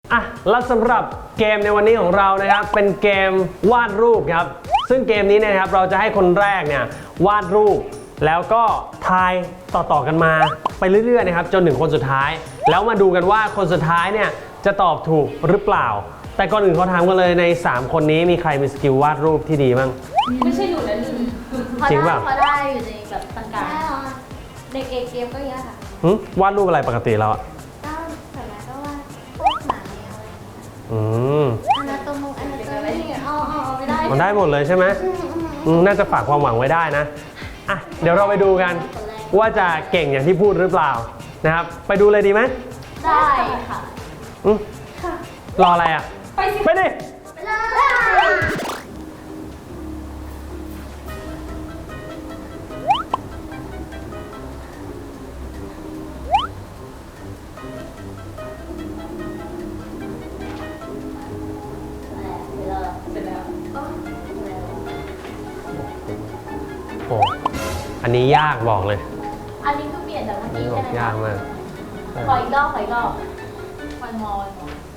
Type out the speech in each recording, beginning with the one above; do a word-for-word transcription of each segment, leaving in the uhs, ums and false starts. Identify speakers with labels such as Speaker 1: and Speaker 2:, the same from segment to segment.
Speaker 1: อ่ะแล้วสำหรับเกมในวันนี้ของเรานะครับเป็นเกมวาดรูปครับซึ่งเกมนี้เนี่ยครับเราจะให้คนแรกเนี่ยวาดรูปแล้วก็ทายต่อๆกันมาไปเรื่อยๆนะครับจนถึงคนสุดท้ายแล้วมาดูกันว่าคนสุดท้ายเนี่ยจะตอบถูกหรือเปล่าแต่ก่อนอื่นเขาถามกันเลยในสามคนนี้มีใครมีสกิลวาดรูปที่ดีบ้าง
Speaker 2: ไม่ใช่หนูนะหนู
Speaker 1: จริงป่ะ
Speaker 2: พอได้อยู่ในแบบกลางๆเด็กเอเกมก็เยอะค่ะ
Speaker 1: วาดรูปอะไรปกติแล้วอ่ะ
Speaker 2: ก็ส่วนใหญ่ก็ว่าพวกหมาแมวอะไรอย่างเงี้ย
Speaker 1: อืม
Speaker 2: อนาโตมงอนาโตมีเอาเอาเอาไม่ได้
Speaker 1: มันได้หมดเลยใช่ไหมน่าจะฝากความหวังไว้ได้นะอ่ะเดี๋ยวเราไปดูกันว่าจะเก่งอย่างที่พูดหรือเปล่านะครับไปดูเลยดีไหม
Speaker 2: ได้ค่ะ
Speaker 1: อืมรออะไรอ่ะ
Speaker 2: ไปสิ
Speaker 1: ไปดิ
Speaker 2: ไปเลย
Speaker 1: โอ้อันนี้ยากบอกเลย
Speaker 2: อันนี้ก็เปลี่ยนจากเมื่อกี้ใช่ไหม
Speaker 1: ยากมาก
Speaker 2: ขออีกรอบขออีกรอบวันมอน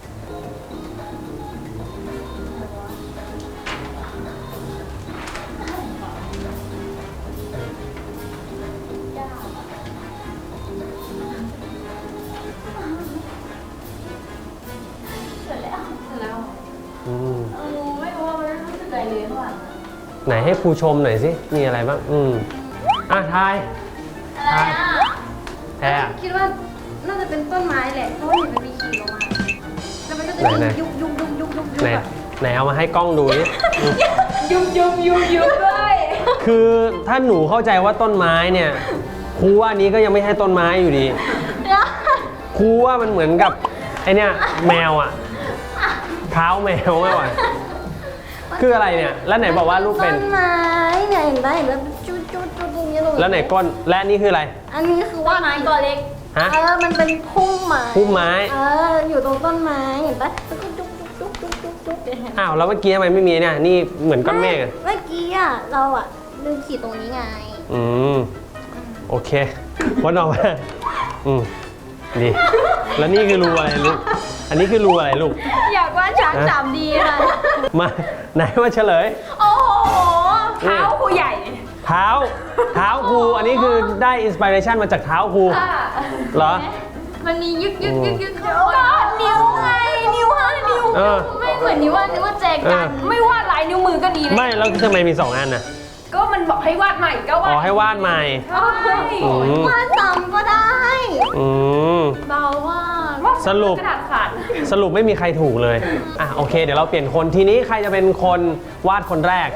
Speaker 2: เสร็จแล้วเสร็จแล้วอืมเออไม่รู้ว่ามันรู้สึกอะไรเลยเท่าไหร่
Speaker 1: ไหนให้ครูชมหน่อยสิมีอะไรบ้างอืมอ่ะทาย
Speaker 2: อะไรอ่ะ
Speaker 1: แพ้
Speaker 3: คิดว่าน่าจะเป็นต้นไม้แหละเพราะว่าเห็นมันมีขีดลงมาแล้วมันก็จะมียุบยุบยุบยุบยุบยุบ
Speaker 1: ไหนไหนเอามาให้กล้องดูดิ
Speaker 2: ยุบยุบยุบยุบด้วย
Speaker 1: คือถ้าหนูเข้าใจว่าต้นไม้เนี่ยครูว่านี้ก็ยังไม่ใช่ต้นไม้อยู่ดีครูว่ามันเหมือนกับไอเนี่ยแมวอ่ะเท้าแมวมากกว่าคืออะไรเนี่ยแล้วไหนบอกว่าลูกเป็น
Speaker 3: ต้นไม้เนี่ยเห็นไหมเห็นไหมจุดจุดจุดอย่างเงี้ยลง
Speaker 1: แล้วไหนก้นและนี่คืออะไร
Speaker 3: อันนี้คือว่า
Speaker 2: ไม้ตัวเล็ก
Speaker 1: ฮะ
Speaker 3: เออมันเป็นพุ่มไม้
Speaker 1: พุ่มไม้
Speaker 3: เอออยู่ตรงต้นไม้เห็นปะแล้วก็จุ๊บจุ๊บจุ๊บจุ๊บจุ๊บจุ๊บ
Speaker 1: อ้าวแล้วเมื่อกี้ทำไมไม่มีเนี่ยนี่เหมือนก้อนเมฆอะ
Speaker 3: เมื่อกี้อ่ะเราอ่ะลืมขีดตรงนี้ไง
Speaker 1: อืมโอเควันออกมาอืมดีแล้วนี่คือรูอะไรลูกอันนี้คือรูอะไรลูก
Speaker 2: อยากว่าช้างสามดีค่ะ
Speaker 1: มาไหนมาเฉลย
Speaker 2: โอ้โหเท้าครูใหญ่
Speaker 1: เท้าเท้าครูอันนี้คือได้อินสปิเรชันมาจากเท้าครูเหรอ
Speaker 2: มันมียึกยึกยึกยึกก็นิ้วไงนิ้วห้านิ้วไม่เหมือนนิ้วว่านิ้วว่าแจกันไม่วาดลายนิ้วมือก็ดีเลย
Speaker 1: ไม่แล้วทำไมมีสองอันน่ะ
Speaker 2: ก็มันบอกให้วาดใหม่ก็วาด
Speaker 1: อ๋อให้วาดใหม่
Speaker 3: วาดซ้ำก็ได้
Speaker 1: อืม
Speaker 2: เบามาก
Speaker 1: สรุป
Speaker 2: กระดาษขาด
Speaker 1: สรุปไม่มีใครถูกเลยอ่ะโอเคเดี๋ยวเราเปลี่ยนคนทีนี้ใครจะเป็นคนวาดคนแรก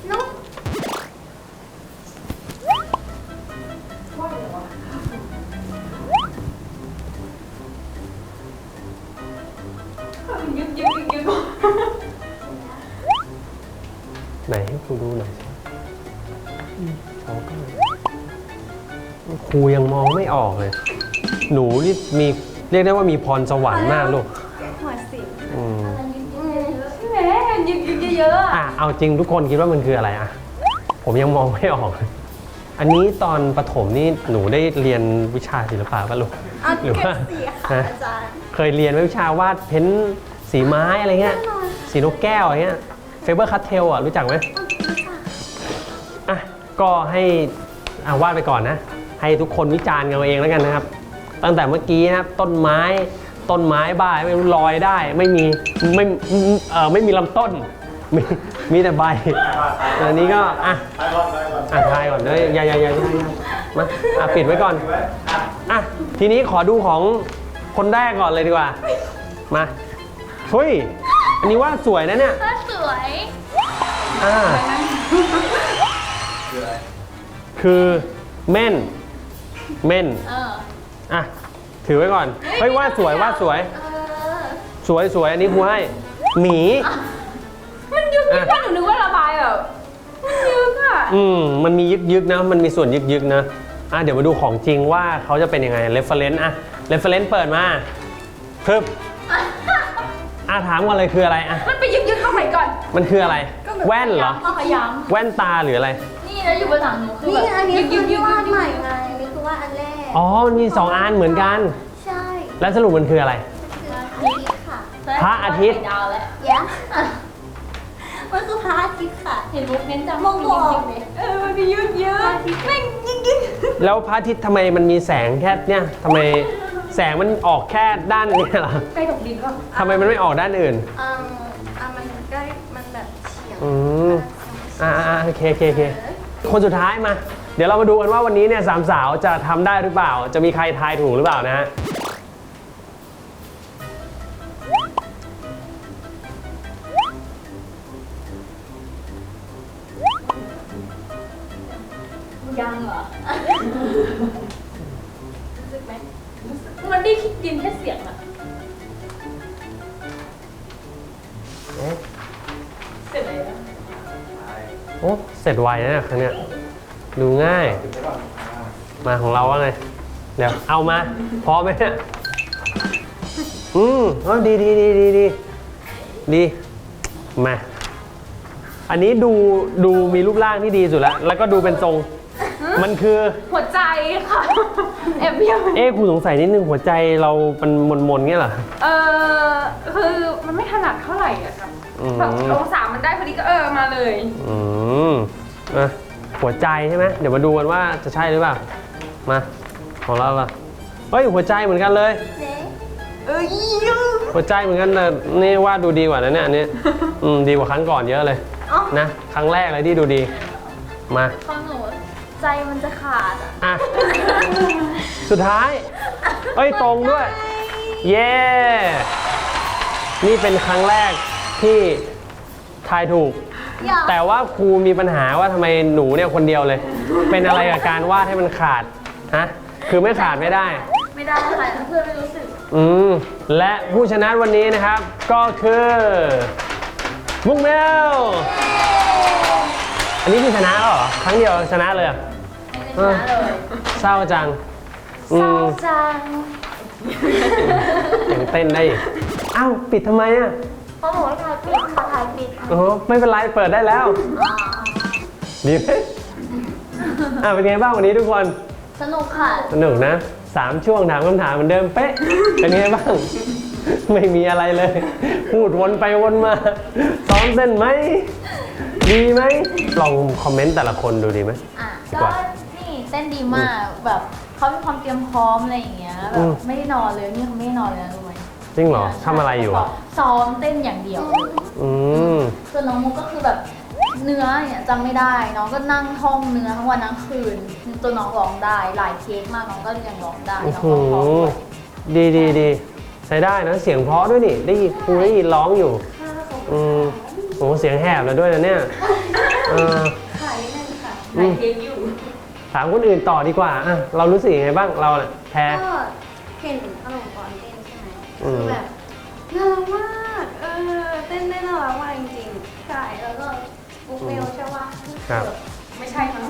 Speaker 2: ยึกยึกยึกยึก
Speaker 1: ไหนให้ครูดูหน่อยสิครูยังมองไม่ออกเลยหนูนี่มีเรียกได้ว่ามีพรสวรรค์มากลูก
Speaker 3: หัวสิ
Speaker 1: อืม
Speaker 2: ใช่ไหมยึกยึกเยอะ
Speaker 1: อ่ะเอาจริงทุกคนคิดว่ามันคืออะไรอ่ะผมยังมองไม่ออกอันนี้ตอนประถมนี่หนูได้เรียนวิชาศิลปะป่ะลูก
Speaker 3: หรือว่า
Speaker 1: เคยเรียนวิชาวาดเพ้นสีไม้อะไรเงี้ยสีนกแก้วอะไรเงี้ยเฟเบอร์คัตเทลอ่ะรู้จักไหมอ่ะก็ให้อ่าวาดไปก่อนนะให้ทุกคนวิจารณ์กันเองแล้วกันนะครับตั้งแต่เมื่อกี้นะครับต้นไม้ต้นไม้บ้าไม่รู้ลอยได้ไม่มีไม่เอ่อไม่มีลำต้นมีมีแต่ใบอันนี้ก็อ่ะอ่ะทายก่อนเลยอย่าอย่าอย่าอย่ามาอ่ะปิดไว้ก่อนอ่ะทีนี้ขอดูของคนแรกก่อนเลยดีกว่ามาเฮ้ยอันนี้ว่าสวยนะเนี่ย
Speaker 2: สวย
Speaker 1: อ่าคือเม่นเม่นอ่ะถือไว้ก่อนเฮ้ยวาดสวยวาดสวยสวยสวยอันนี้ครูให้หมี
Speaker 2: มันยึกยึกว่าหนูนึกว่าระบายแบบมันยึกอ่ะ
Speaker 1: อืมมันมียึกยึกนะมันมีส่วนยึกยึกนะอ่ะเดี๋ยวมาดูของจริงว่าเขาจะเป็นยังไง reference อ่ะ reference เปิดมาปึ๊บอ่ะถามกันเลยคืออะไรอ่ะ
Speaker 2: มันไปยึกยึกเข้าไหนก่อน
Speaker 1: มันคืออะไรแว่นเหรอแว่นตาหรืออะไร
Speaker 2: นี่แล้วอยู่บนหลังหนูคือ
Speaker 3: แบบนี่อันนี้คือที่วาดใหม่ไงนี่คือวาดอันแรก
Speaker 1: อ๋อมันมีสองอันเหมือนกัน
Speaker 3: ใช่
Speaker 1: แล้วสรุปมันคืออะไร
Speaker 3: คืออันนี้ค่ะ
Speaker 1: พระอาทิตย์
Speaker 2: ดาวแล้ว
Speaker 3: ยะมันคือพระอาทิตย์ค่ะ
Speaker 2: เห็นมุกเน้นจัง
Speaker 3: มองบอ
Speaker 2: จริ
Speaker 3: ก
Speaker 2: งๆเลย
Speaker 3: เออมันมียืดเยอะแม่งยิ่งยิ่ง
Speaker 1: แล้วพระอาทิตย์ทำไมมันมีแสงแค่เนี่ยทำไมแสงมันออกแค่ด้านนี้เหรอ
Speaker 2: ใกล้ตกดินก็
Speaker 1: ทำไมมันไม่ออกด้านอื่น
Speaker 3: อืมอ่ะมันใกล้มันแบบเฉียง
Speaker 1: อืมอ่าอ่าโอเคโอเคโอเคคนสุดท้ายมา เดี๋ยวเรามาดูกันว่าวันนี้เนี่ยสามสาวจะทำได้หรือเปล่า จะมีใครทายถูกหรือเปล่านะฮะ
Speaker 2: ยังเหรอรู้สึกไหมมันได้คิดดินแค่เสียงอะ
Speaker 1: เอ๊ะ
Speaker 2: เสร็จเลยนะ
Speaker 1: โอ้เสร็จไวนะเนี่ยครั้งเนี้ยดูง่าย มาของเราว่าไง เดี๋ยวเอามาพร้อมไหมเนี่ยอืมอ๋อดีดีดีดีดีดีมา อันนี้ดูดูมีรูปร่างที่ดีสุดแล้ว แล้วก็ดูเป็นทรง มันคือ
Speaker 2: หัวใจค่ะแอบเบี้ยว
Speaker 1: เอ๊ะคุณสงสัยนิดนึงหัวใจเรามันมนมนๆเงี้ยเหรอ
Speaker 2: เออคือมันไม่ถนัดเท่าไหร่อะครับ
Speaker 1: อืม
Speaker 2: แบบองศามันได้พอดีก็เออมาเลย
Speaker 1: อืมอ่ะหัวใจใช่ไหมเดี๋ยวมาดูกันว่าจะใช่หรือเปล่า มาของเราล่ะเฮ้ยหัวใจเหมือนกันเลย
Speaker 3: เจ๊
Speaker 2: เอ้ย
Speaker 1: หัวใจเหมือนกันเลยนี่วาดดูดีกว่านะเนี่ยอันนี้อืมดีกว่าครั้งก่อนเยอะเลย
Speaker 3: อ๋อ
Speaker 1: นะครั้งแรกเลยที่ดูดีมา
Speaker 2: ของหนูใจมันจะขาดอะ
Speaker 1: อ่ะสุดท้ายเอ้ยตรงด้วย เย้นี่เป็นครั้งแรกที่ทายถูก
Speaker 3: อย่า
Speaker 1: แต่ว่าครูมีปัญหาว่าทำไมหนูเนี่ยคนเดียวเลย เป็นอะไรกับการวาดให้มันขาดฮะคือไม่ขาดไม่ได้
Speaker 2: ไม่ได้ค่ะเพื่อนไม่รู้สึก
Speaker 1: อืมและผู้ชนะวันนี้นะครับก็คือมุกเมลอันนี้คือชนะแล้วเหรอครั้งเดียวชนะเลยเหรอ
Speaker 2: ไม่ได้ชนะเลย
Speaker 1: เศร้าจังอื
Speaker 2: เศร้าม จัง
Speaker 1: ยังเต้นได้อีกอ้าวปิดทำไมอ่ะ
Speaker 3: เพราะหนูถ่ายปิดค่ะถ่ายปิดค่ะ
Speaker 1: โอ้โหไม่เป็นไรเปิดได้แล้วดีไหมอ่ะเป็นไงบ้างวันนี้ทุกคน
Speaker 3: สนุกค่ะ
Speaker 1: สนุกนะสามช่วงถามคำถามเหมือนเดิมเป๊ะเป็นไงบ้าง ไม่มีอะไรเลย พูดวนไปวนมาซ้อมเต้นไหมดีไหมลองคอมเมนต์แต่ละคนดูดีไหม
Speaker 2: อ่ะ
Speaker 1: ดี
Speaker 2: ก็
Speaker 1: กว่า
Speaker 2: นี่เต้นดีมากแบบเขามีความเตรียมพร้อมอะไรอย่างเงี้ยแบ
Speaker 1: อื
Speaker 2: บ
Speaker 1: ม
Speaker 2: ไม่ได้นอนเลยนี่เขาไม่ได้นอนเลยนะรู้ไหม
Speaker 1: จริงเหรอทำอะไรอยู่อะ
Speaker 2: ซ้อมเต้นอย่างเดียว
Speaker 1: อืม
Speaker 2: ส่วนน้องมุกก็คือแบบเนื้อเนี่ยจำไม่ได้น้องก็นั่งท่องเนื้อทั้งวันทั้งคืนจนน้องร้องได้หลายเทคมากน้องก็ยังร้องได้
Speaker 1: โอ้
Speaker 2: น้อง
Speaker 1: โห
Speaker 2: ร้องเพราะด้วย
Speaker 1: ดีดีดีใช้ได้นะเสียงเพราะด้วยนี่ได้ยินครูได้ยินร้องอยู่อืมโอ้เสียงแหบแล้วด้วยนะเนี่ยเออ
Speaker 3: ถ่ายนิดนึงค่ะ
Speaker 2: หลายเทคอยู่
Speaker 1: ถามคนอื่นต่อดีกว่าอ่ะเรารู้สึกยังไงบ้างเราเนี่ยแพ้
Speaker 3: ก็เห็นอารมณ์ก่อนเต้นใช่ไหม
Speaker 1: อืม
Speaker 3: คือแบบน่ารักมากเออเต้นได้น่ารักมากจริงๆใช่แล้วก็บุ๊กเมลใช่ปะ
Speaker 1: ครับ
Speaker 2: ไม่ใช่มั้ง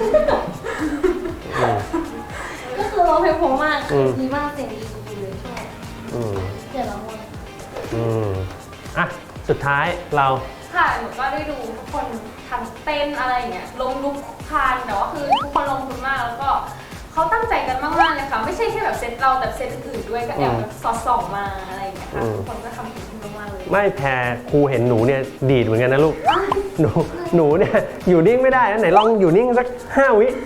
Speaker 1: อืม
Speaker 3: ก็คือร้องเพลงผมมาก
Speaker 1: อืม
Speaker 3: ดีมากเสียงดีดีเลยชอบ
Speaker 1: อืม
Speaker 3: เสียงละมุน
Speaker 1: อืมอ่ะสุดท้ายเรา
Speaker 2: ค่ะหนูก็ได้ดูทุกคนทั้งเต้นอะไรอย่างเงี้ยลงลุกคลานแต่ว่าคือทุกคนลงทุนมากแล้วก็เขาตั้งใจกันมากๆเลยค่ะไม่ใช่แค่แบบเซตเราแต่เซตอื่นๆด้วยก็แอบแบบสอดส่องมาอะไรอย่างเงี้ยค่ะทุกคนก็ทำถึงที่มากๆเลย
Speaker 1: ไม่แพ้ครูเห็นหนูเนี่ยดีดเหมือนกันนะลูกหนูหนูเนี่ยอยู่นิ่งไม่ได้นะไหนลองอยู่นิ่งสักห้าวิ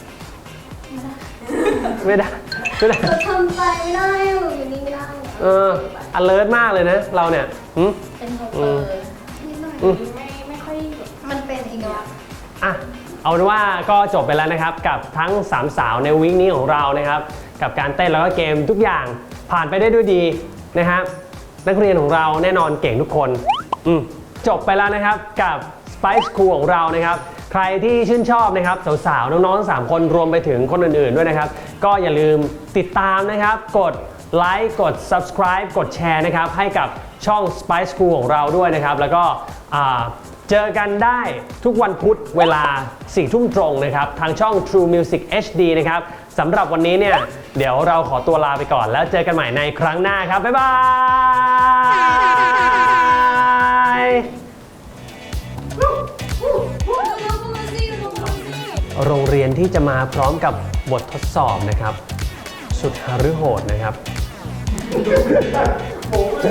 Speaker 1: ไม่ได้ไม่ได้
Speaker 3: จะทำใจไม่ได้หนูอยู่นี่ไม่ได้
Speaker 1: เออ alert มากเลยนะ เราเนี่ยหึ
Speaker 2: เป็นโฮเปอร์
Speaker 3: นิดหน่อย
Speaker 1: อืม
Speaker 2: ไม่ไม่ค่อยแบบ
Speaker 3: มันเป็นอีกแล้ว
Speaker 1: อ่ะ เอาเป็นว่าก็จบไปแล้วนะครับ กับทั้งสามสาวในวีคนี้ของเรานะครับ กับการเต้นแล้วก็เกมทุกอย่างผ่านไปได้ด้วยดีนะครับ นักเรียนของเราแน่นอนเก่งทุกคนอืมจบไปแล้วนะครับกับ Spice School ของเรานะครับ ใครที่ชื่นชอบนะครับสาวๆน้องๆทั้งสามคนรวมไปถึงคนอื่นๆด้วยนะครับ ก็อย่าลืมติดตามนะครับ กดไลค์กด subscribe กดแชร์นะครับให้กับช่อง Spice School ของเราด้วยนะครับ แล้วก็อ่าเจอกันได้ทุกวันพุธเวลาสี่ทุ่มตรงนะครับทางช่อง True Music เอช ดี นะครับสำหรับวันนี้เนี่ยเดี๋ยวเราขอตัวลาไปก่อนแล้วเจอกันใหม่ในครั้งหน้าครับบ๊ายบายโรงเรียนที่จะมาพร้อมกับบททดสอบนะครับสุดหฤโหดนะครับ